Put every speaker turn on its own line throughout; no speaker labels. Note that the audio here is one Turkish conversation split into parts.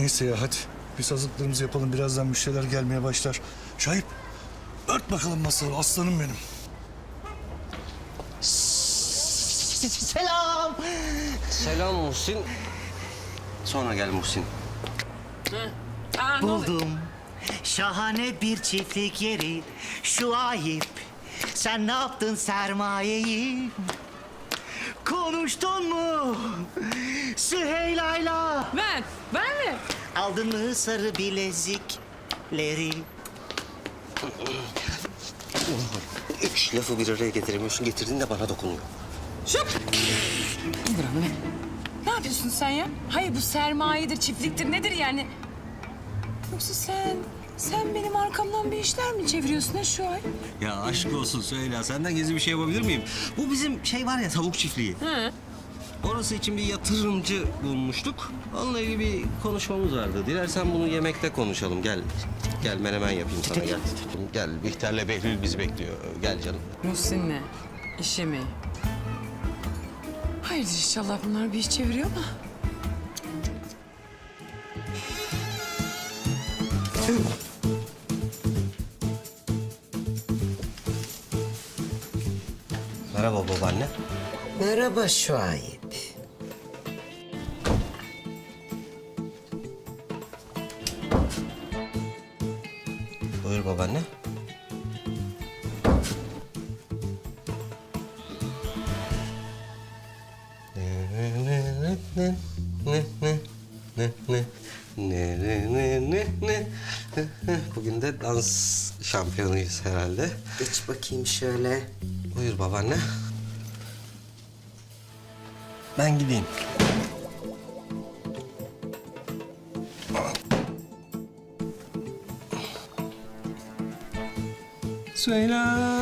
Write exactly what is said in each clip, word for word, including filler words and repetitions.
Neyse ya hadi. Biz hazırlıklarımızı yapalım. Birazdan müşteriler gelmeye başlar. Şahip, ört bakalım masayı. Aslanım benim.
Selam.
Selam Muhsin. Sonra gel Muhsin.
Buldum. Şahane bir çiftlik yeri. Şu ayıp. Sen ne yaptın sermayeyi? Konuştun mu? Süheyla'yla.
Ben, ben mi?
Aldın mı sarı bilezikleri?
Üç lafı bir araya getiremiyorsun. Getirdin de bana dokunuyor.
Şıp! İndir onu be. Ne yapıyorsun sen ya? Hayır bu sermayedir, çiftliktir nedir yani? Yoksa sen, sen benim arkamdan bir işler mi çeviriyorsun ha şu ay?
Ya aşk olsun söyle. Senden gizli bir şey yapabilir miyim? Bu bizim şey var ya, tavuk çiftliği.
Hı.
Orası için bir yatırımcı bulmuştuk. Onunla ilgili bir konuşmamız vardı. Dilersen bunu yemekte konuşalım. Gel. Gel menemen yapayım sana gel. Gel Bihter'le Behlül bizi bekliyor. Gel canım.
Muhsin'le işe mi? Hayırdır inşallah bunlar bir iş çeviriyor mu?
Merhaba babaanne.
Merhaba Şuayb.
Buyur babaanne. Bugün de dans şampiyonuyuz herhalde.
Geç bakayım şöyle.
Buyur babaanne. Ben gideyim. Söyle.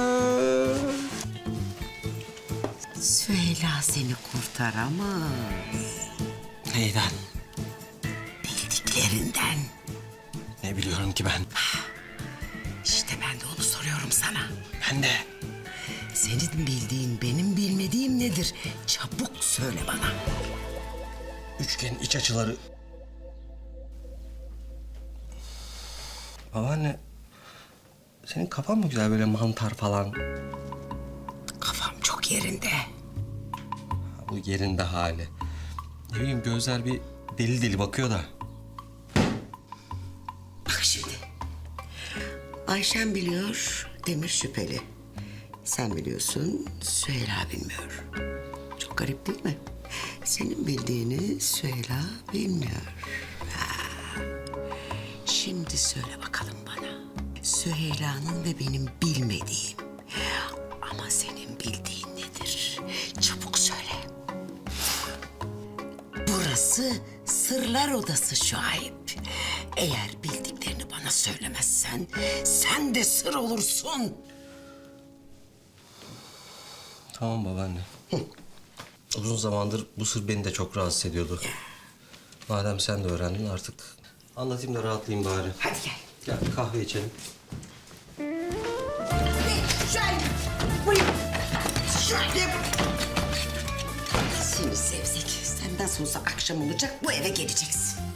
Süheyla seni kurtaramaz.
Neyden?
Bildiklerinden.
Ne biliyorum ki ben?
İşte ben de onu soruyorum sana.
Ben de.
Senin bildiğin benim bilmediğim nedir? Çabuk söyle bana.
Üçgen iç açıları. Babaanne, senin kafan mı güzel böyle mantar falan?
Kafam çok yerinde.
Bu yerinde hali. Ne bileyim gözler bir deli deli bakıyor da.
Bak şimdi. Ayşen biliyor, Demir şüpheli. Sen biliyorsun, Süheyla bilmiyor. Çok garip değil mi? Senin bildiğini Süheyla bilmiyor. Ha. Şimdi söyle bakalım bana. Süheyla'nın ve benim bilmediğim ama senin bildiğin nedir? Çabuk söyle. Burası sırlar odası Şuayb. Eğer bildiklerini bana söylemezsen sen de sır olursun.
Tamam babaanne. Uzun zamandır bu sır beni de çok rahatsız ediyordu. Madem sen de öğrendin artık anlatayım da rahatlayayım bari.
Hadi gel.
Gel bir kahve içelim.
Şuayb! Buyur! Şuayb! Seni sevsek, senden sonra akşam olacak, bu eve geleceksin.